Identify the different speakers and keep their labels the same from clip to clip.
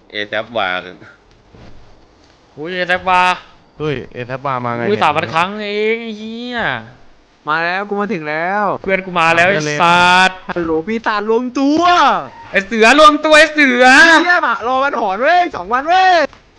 Speaker 1: เอแซบวา
Speaker 2: อุ้ยแซบบาร์
Speaker 3: เฮ้ยเอทับบามาไง
Speaker 2: อุ้ย3,000 ครั้งเองไอ้เหี้ย
Speaker 4: มาแล้วกูมาถึงแล้ว
Speaker 2: เพื่อนกูมาแล้วไอ้สัตว์
Speaker 4: ฮัลโหลพี่ตาลรวมตัว
Speaker 2: ไอ้เสือรวมตัวไอ้เสือ
Speaker 4: เยี่ยมอะรอมันหอนเว้ย2 วันเว้ย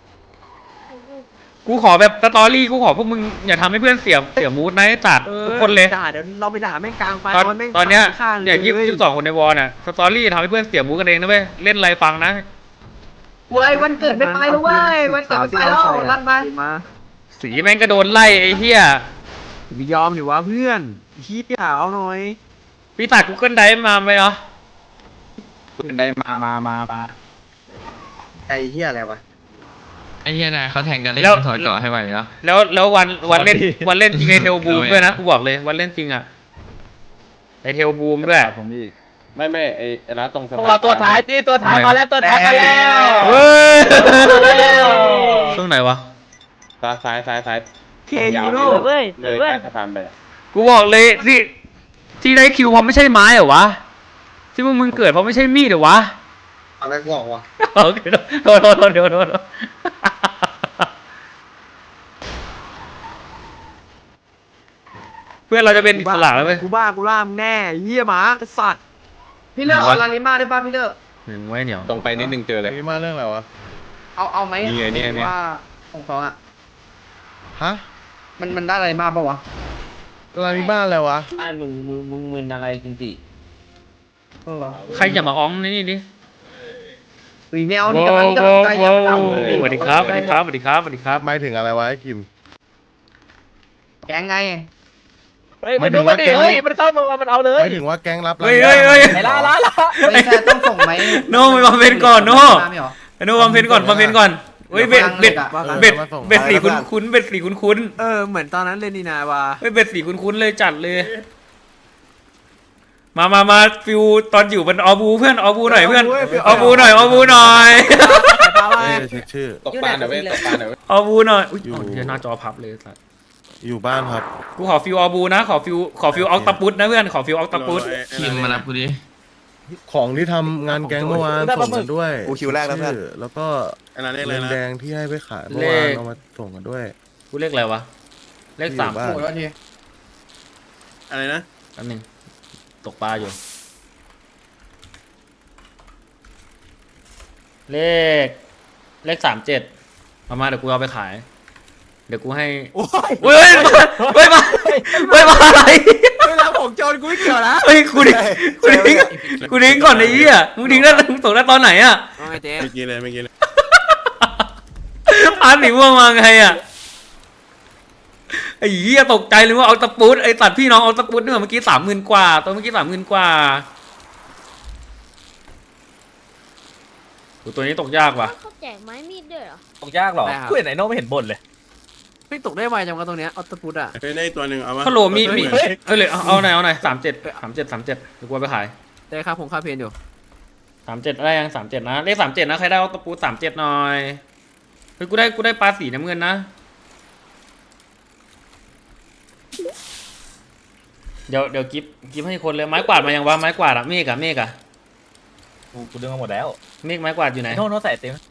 Speaker 2: กูขอแบบสตอรี่กูขอพวกมึงอย่าทำให้เพื่อนเสียมูดนะไอ้จัดทุกคนเลย
Speaker 4: ด่าเดี๋ยวเราไปด่าแม่งกลางไฟ
Speaker 2: ตอนเนี้ย
Speaker 4: ข้าง
Speaker 2: เนี่ย22 คนในวอลน่ะสตอรี่ทำให้เพื่อนเสียมูดกันเองนะเว้ยเล่นอะไรฟังนะ
Speaker 5: เว้ยวันเกิดไม่ไปแล้วเว้ยวันเกิดไม่ไปแล้วลั่นไป
Speaker 4: มา
Speaker 2: สีแม่งก็โดนไล่ไอ้เหี้ย
Speaker 4: ไม่ยอมดิวะเพื่อนคิดอย่าเอาหน่อย
Speaker 2: พี่ตัดกูเกิลไดมาไหมเนาะ
Speaker 3: ได้มา
Speaker 5: ไอ้เหี้ยอะไรวะ
Speaker 6: ไอ้เหี้ยนายเขาแทงกันเล่นถอยต่อให้ไหวแล้ว
Speaker 2: แล้ววันเล่นวันเล่นจริงในเทลบูมด้วยนะกูบอกเลยวันเล่นจริงอ่ะในเทลบูมด้วย
Speaker 3: ผมอีก
Speaker 1: ไม่ไอ้ร้านตรงสะ
Speaker 5: พวก
Speaker 1: พา
Speaker 5: เรา
Speaker 1: น
Speaker 5: ตัวท้ายที่ตัวท้ายมาแล้วตัวท้ายมาแล้ว
Speaker 2: เฮ้ยช่วงไหนวะ
Speaker 1: ซ้าย
Speaker 4: เคยูโน่
Speaker 1: เลยใต้สะพานไป
Speaker 2: กูบอกเลยที่ได้คิวเพราะไม่ใช่ไม้เหรอวะที่มึงเกิดเพราะไม่ใช่มีดเหรอวะ
Speaker 5: อะไรกูบอกวะ
Speaker 2: โอเคโทษเดี๋ยวเพื่อนเราจะเป็นอิสระแล้วไหม
Speaker 4: กูบ้ากูล่ามแน่เยี่ยหมาสัตว์
Speaker 5: พี่เลิกเอาลาลิมาได้ป่ะพี่เลิก
Speaker 2: หนึ่งไว้เหนียว
Speaker 1: ตรงไปนิดนึงเจอเลย
Speaker 3: มีมาเรื่องอะไรวะ
Speaker 5: เอาไหม
Speaker 1: นี่ไงเนี่ย
Speaker 5: ว่าของเขาอะ
Speaker 3: ฮะ
Speaker 5: มันได้อะไรมาป่ะวะ
Speaker 3: อะไรมีบ้านอะไรวะ
Speaker 5: ไอ้มึงมึนอะไรจริงดิ
Speaker 2: ใครอย่ามาอ้องนี่ดิ
Speaker 5: อุ้ยแนวนี่กำลังจะใจยับยั้ง
Speaker 2: สวัสดีครับสวัสดีครับสวัสดีครับสวัสดีครับ
Speaker 3: หมายถึงอะไรวะไอ้กิม
Speaker 5: แกงไง
Speaker 3: หมายถึงว่าแก๊ง
Speaker 5: มันเข้ามามันเอาเลย
Speaker 3: หมายถึงว่าแก๊งรับ
Speaker 2: เฮ้ย
Speaker 5: ไหนล่ะไม่ใช่ต้องส่งไหม
Speaker 2: โน่ไปบำเพ็ญก่อนโน่
Speaker 5: ไม่หรอ
Speaker 2: โน่บำเพ็ญก่อนเฮ้ยเบ็ดสีคุ้นเบ็ดสีคุ้น
Speaker 4: เหมือนตอนนั้นเลยนี่นาวะ
Speaker 2: เฮ้ยเบ็ดสีคุ้นเลยจัดเลยมาฟิวตอนอยู่เป็นออบูเพื่อนออบูหน่อยเพื่อนออบูหน่อย
Speaker 4: ตาไป
Speaker 3: เช็คชื่อ
Speaker 1: ตกปลาหน่อยเว้ยตกปลาหน่อยเว้ย
Speaker 2: ออบูหน่อยอุ้ย
Speaker 3: อยู่
Speaker 2: เดี๋ยวหน้าจอพับเลยสัส
Speaker 3: อยู่บ้านครับ
Speaker 2: กูขอฟิวออบูนะขอฟิวออกตาปุตนะเพื่อนขอฟิวออกตาปุต
Speaker 6: คิมมารับกูดิ
Speaker 3: ของที่ทำงานแก๊งเมื่อวานส่งกันด้วย
Speaker 7: คิวแรกแล้วเพื่อน
Speaker 3: ชื่แล้วก็
Speaker 7: อันนั้นเลขอะไร
Speaker 3: เงิน
Speaker 7: นะ
Speaker 3: แดงที่ให้ไปขายเมื่อวานเอามาส่งกันด้วย
Speaker 2: กูเลขอะไรวะเลข
Speaker 3: ที่
Speaker 2: สาม
Speaker 3: อยู่บ้าน
Speaker 5: โอ้ยวันที
Speaker 7: อะไรนะ
Speaker 2: อันหนึ่งตกปลาอยู่เลข37มาเดี๋ยวกูเอาไปขาย เดี๋ยวกูให้เฮ้ยมาอะไร
Speaker 4: เวลาผมโจรกูไม่เกี่ยวนะ
Speaker 2: เฮ้ยกูดิ้งก่อนไอ้เหี้ยมึงดิ้งแล้วมึงตกได้ตอนไหนอ่ะ
Speaker 4: เอาไงเจ๊
Speaker 7: เมื่อกี้เลย
Speaker 2: พานหนีม่วงมาไงอ่ะไอ้เหี้ยตกใจเลยว่าเอาตะปูดไอ้ตัดพี่น้องเอาตะปูดเนี่ยเมื่อกี้30,000 กว่าตัวเมื่อกี้30,000 กว่าตัวนี้ตกยากว่ะ
Speaker 8: เขาแจกไม้มีดด้วยเหรอ
Speaker 9: ตกยากหรอกูเห็นไอ้โน่ไม่เห็นบ่นเลย
Speaker 4: ไม่ตกได้ไวจังวะตรงเนี้ยออตปุตอะ
Speaker 7: เฮ้ยได้ตัวหนึ่งเอาวะ
Speaker 2: ฮัลโหลมีเลยเอาหน่อย37เดี๋ยวกูเอาไปขาย
Speaker 4: ได้ครับผมค่าเพนอยู่
Speaker 2: 37ได้ยัง37นะเลข37นะใครได้เอาตะปู37หน่อยเฮ้ยกูได้ปลาสีน้ำเงินนะเดี๋ยวกิฟให้คนเลยไม้กวาดมายังวะไม้กวาดอะเมฆอะ
Speaker 9: กูดึงมาหมดแล้ว
Speaker 2: เมฆไม้กวาดอยู่ไหน
Speaker 9: โน่ใส่เต็ม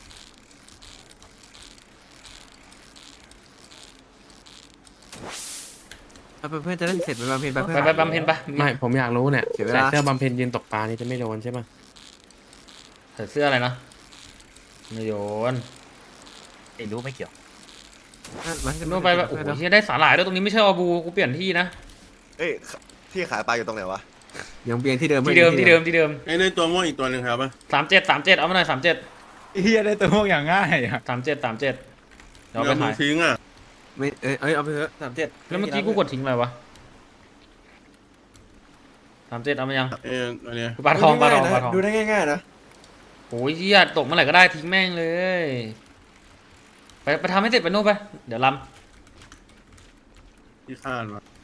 Speaker 4: เพื่อนจะได้เสร็จไปบำเพ็ญไป
Speaker 2: ไปบำเพ็ญไป
Speaker 10: ไม่ผมอยากรู้เนี่ย
Speaker 4: เสียเว
Speaker 10: ใส่
Speaker 4: ลา
Speaker 10: เสื้อบำเพ็ญยืนตกปลานี่จะไม่โดนใช่ปะ
Speaker 2: ใส่เสื้ออะไรนะไม่โยน
Speaker 9: ไอ้รู้ไม่เกี่ยว
Speaker 2: นู่นไปโอ้โหเฮียได้สาหร่ายด้วยตรงนี้ไม่ใช่อบูกูเปลี่ยนที่นะ
Speaker 7: เอ้ยที่ขายปลาอยู่ตรงไหนวะ
Speaker 4: ยังเบียงที่เดิม
Speaker 2: ที่เดิม
Speaker 7: ไอ้ได้ตัวม่วงอีกตัวหนึ่งครับป่ะ
Speaker 2: 37เอามาหน่อย37
Speaker 9: เฮียได้ตัวพวกอย่างง่ายอ่ะ
Speaker 2: 37เดี๋ยวเอาไป
Speaker 7: เรา
Speaker 2: ขาย
Speaker 7: ทิ้งอ่ะ
Speaker 4: ไม่เอาไปเถอะ37
Speaker 2: แล้วเมื่อกี้กูกดทิ้งอะไรวะ37เอามายัง
Speaker 7: อันเนี้ย
Speaker 2: ปลาทอง
Speaker 7: ดูได้ง่ายๆนะ
Speaker 2: โอ้ยเฮียตกเมื่อไหร่ก็ได้ทิ้งแม่งเลยไปทำให้เสร็จไปนู่นไปเดี๋ยวล
Speaker 7: ที่คาดวะ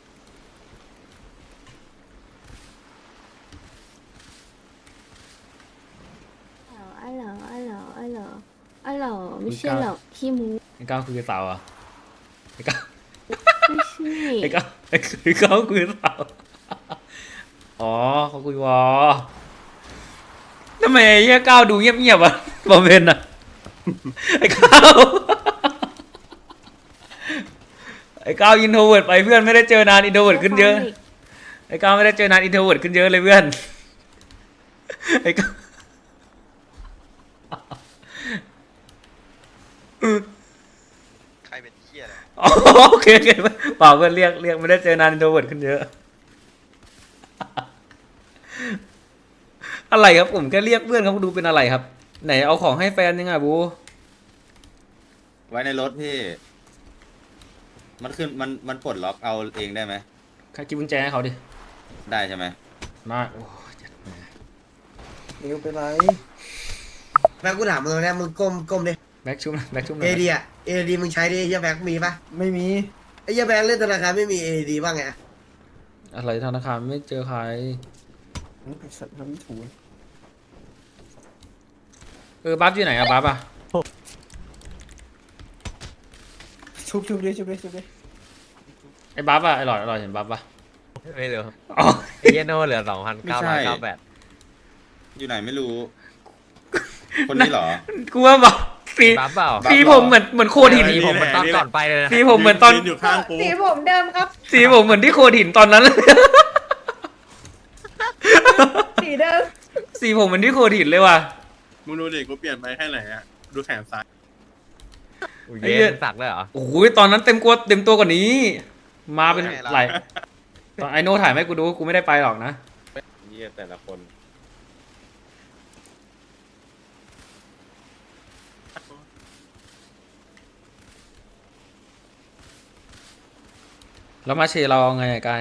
Speaker 8: อ๋อไม่ใช่หรอกขี้มู
Speaker 2: ำไอ้ก้าวคือสาวอ่ะไอ้ก้าว
Speaker 8: ไม่ใช่
Speaker 2: ไอ้ก้าวคือสาวอ๋อเขาคุยวอแล้วำไมไอ้เหี้ยก้าวดูเงียบๆวะบอมเบนอะไอ้ก้าวไอ้ก้าวอินโทรเวิร์ดไปเพื่อนไม่ได้เจอนานอินโทรเวิร์ดขึ้นเยอะไอ้ก้าวไม่ได้เจอนานอินโทรเวิร์ดขึ้นเยอะเลยเพื่อนไอ้ก้าว
Speaker 7: ใครเป็นเหี้ยอะไร
Speaker 2: อ๋อโอเคเปล่าเพื่อนเรียกไม่ได้เจอนานอินโทรเวิร์ดขึ้นเยอะอะไรครับผมแค่เรียกเพื่อนเขาดูเป็นอะไรครับไหนเอาของให้แฟนยังไงบู
Speaker 11: ไว้ในรถพี่ มันขึ้นมันปลดล็อกเอาเองได้ไหม
Speaker 2: ใครกินกุญแจให้เขาดิ
Speaker 11: ได้ใช่ไหม
Speaker 2: มาโอ้ย
Speaker 3: นิวเป็นไร
Speaker 5: แบ็คกูถามมึงนะมึงก้มดิ
Speaker 2: แบ็คชุ่มแบ็คชุ่ม
Speaker 5: เอดีอ่ะเอดีมึงใช้ดิเฮียแบ็คมีปะ
Speaker 3: ไม่มี
Speaker 5: ไอ้เฮียแบ็คเล่นธนาคารไม่มีเอดีบ้างไง
Speaker 2: อะไรธนาคารไม่เจอใคร
Speaker 3: สัตว์ทำถูก
Speaker 2: บัฟอยู่ไหนอะบัฟอะ
Speaker 3: ชุบดิชุบดิ
Speaker 2: ไอ้บัฟอะไอ้หลอดเห็นบัฟปะ
Speaker 4: ไม่รู้
Speaker 2: อ๋อ
Speaker 4: เยโน่เหลือ 2,998
Speaker 11: อยู่ไหนไม่รู้ คนนี้เหรอ
Speaker 2: กูว่าบัฟสี
Speaker 4: บัฟเปล่า
Speaker 2: สีผมเหมือนโคดหิน
Speaker 4: สีผมมันตอนก่อนไปเลยนะ
Speaker 2: สีผมเหมือนตอน
Speaker 7: ยือยู่ข้างกู
Speaker 5: สีผมเดิมครับ
Speaker 2: สีผมเหมือนที่โคดหินตอนนั้นเลย
Speaker 5: สีเดิม
Speaker 2: สีผมเหมือนที่โคดหินเลยว่ะ
Speaker 7: มึงดูดิกูเปลี่ยนไปแค่ไหนอะดูแขนซ้าย
Speaker 2: ไอ้เหี้
Speaker 4: เย็
Speaker 2: ย
Speaker 4: นสักเลยเหรอ
Speaker 2: โอ้ยตอนนั้นเต็มตัวกว่านี้ มาเป็นหลายตอนไอโน่ถ่ายไหมกูดูกูไม่ได้ไปหรอกนะ
Speaker 11: เยี่ยแต่ละคน
Speaker 2: แล้วมาเชเราเอาไงอะกาย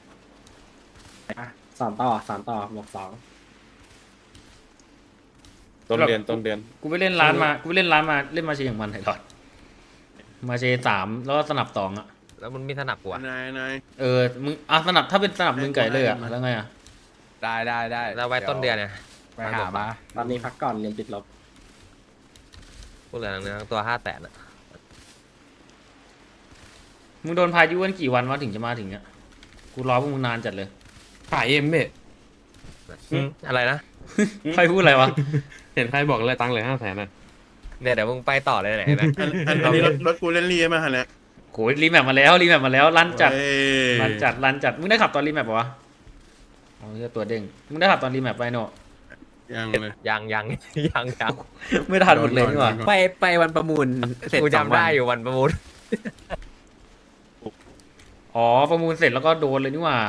Speaker 9: 3 ต่อบอก
Speaker 1: ต้นเดือน
Speaker 2: กูไปเล่นร้านมาเล่นมาเชอย่างมันไอ้หลอดมาเช3แล้วก็สนับ2อะ
Speaker 4: แล้วมันมีสนับกูอะ
Speaker 7: นาย
Speaker 2: มึงสนับถ้าเป็นสนับมึงไก่เลยอะแล้วไงอะ
Speaker 9: ได้
Speaker 4: แล้วไว้ต้นเดือนเนี่ย
Speaker 9: ไปหามา ตอนนี้พักก่อนเรียนติดลบ
Speaker 4: กูเหลือเนื้อตัว500,000อะ
Speaker 2: มึงโดนพายุกันกี่วันวะถึงจะมาถึงอะกูรอพวกมึงนานจัดเลย
Speaker 10: ขายเอ็มเบ้
Speaker 4: อะไรนะ
Speaker 2: ใครพูดอะไรวะ
Speaker 10: เห็นใครบอกเลยตังค์เหลือ500,000อ่ะ
Speaker 4: เนี่ยเดี๋ยวมึงไปต่อเลยไหนนะ
Speaker 7: อันนี้รถกูเล่นรีมาฮะเนี่ย
Speaker 2: โหรีแมปมาแล้วลั่นจัด
Speaker 7: เฮ้ย
Speaker 2: ลั่นจัดมึงได้ขับตอนรีแมปปะวะเอาเหี้ยตัวเด้งมึงได้ขับตอนรีแมปไปโน่
Speaker 7: ยังเลย
Speaker 4: ยัง
Speaker 2: ไม่ทันหมดเลยนี่หว่า
Speaker 9: ไปวันประมูลเสร็จ
Speaker 4: กู
Speaker 9: 2
Speaker 4: จำได้อยู่วันประมูล
Speaker 2: อ๋อประมูลเสร็จแล้วก็โดนเลยนี่หว่า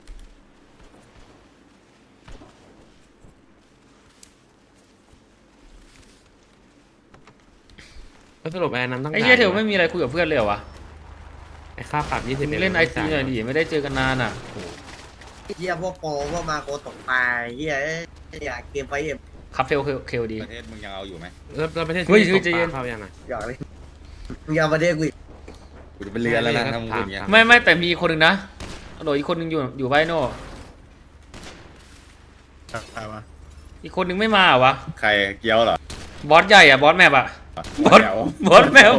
Speaker 10: แล้วสรุปแอนนั้นต้อง
Speaker 2: ไอ้เหี้ยเทลไม่มีอะไรคุยกับเพื่อนเลยเหรอวะ
Speaker 10: ไอ้ค่าปรับ20
Speaker 2: มึงเล่นไอซีหน่อยดิไม่ได้เจอกันนานอ่ะ
Speaker 5: เฮียพวกโปรพวกมาโกตกปลาเฮียอยากเกมไฟเอ็ม
Speaker 2: ครับเทลเคลดี
Speaker 11: ประเทศมึงยังเอาอยู่ไหม
Speaker 10: แล้วประเทศ
Speaker 2: เฮ้ย
Speaker 10: ที่ตก
Speaker 2: ใจเย็น
Speaker 10: ปลาเข้ายังไง
Speaker 5: อยากเลยมึงอยากมาเด็กกูอีก
Speaker 11: กูจะเป็นเรือแล้วนะถ้ามึงพูดอย่างเงี้ย
Speaker 2: ไม่แต่มีคนหนึ่งนะโดยอีกคนหนึ่งอยู่ไบโน่
Speaker 7: ใครวะ
Speaker 2: อีกคนหนึ่งไม่มาเหรอวะ
Speaker 11: ใครเกี้ยวเหรอบ
Speaker 2: อสใหญ่อะบอสแมปอะ
Speaker 11: หัวแถว
Speaker 2: บอสแมป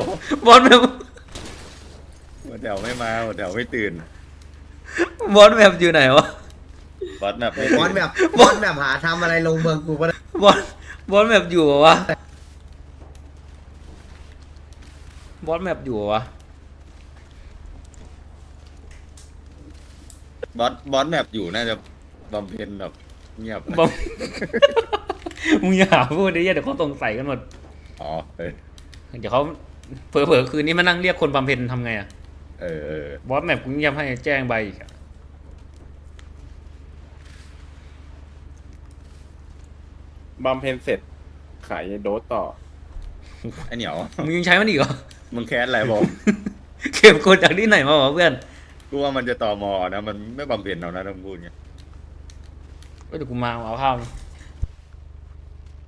Speaker 11: หัวแถวไม่มาหัวแถวไม่ตื่น
Speaker 2: บอสแมปอยู่ไหนวะ
Speaker 11: บอสแบบ
Speaker 5: บอลแบบหาทำอะไรลงเมืองกูก็ได้
Speaker 2: บอสแมปอยู่เหรอวะบอสแมปอยู่เหรอวะ
Speaker 11: บอสแบบอยู่น่าจะบำเพ็ญแบบเงียบ
Speaker 2: บอม มึงอย่าหาพูดดิเดี๋ยวเขาสงสัยกันหมด
Speaker 11: อ๋อเออ
Speaker 2: เดี๋ยวเขาเผลอๆคืนนี้มานั่งเรียกคนบำเพ็ญทำไงอะ
Speaker 11: เออ
Speaker 2: บอสแมปกูเงียบให้แจ้งใบอีกอะ
Speaker 1: บำเพ็ญเสร็จ ขายโดสต่อ
Speaker 11: ไอเหนียว
Speaker 2: มึงยังใช้มันอีกเหรอ
Speaker 11: มึงแคสอะไรบอก
Speaker 2: เก็บกดจากที่ไหนมาวะเพื่อน
Speaker 11: กูว่ามันจะต่อมอนะมันไม่บำเพ็ญเอานะถ้ามึงพูดเงี้ย
Speaker 2: เดี๋ยวกูมาเอาข้าวนะ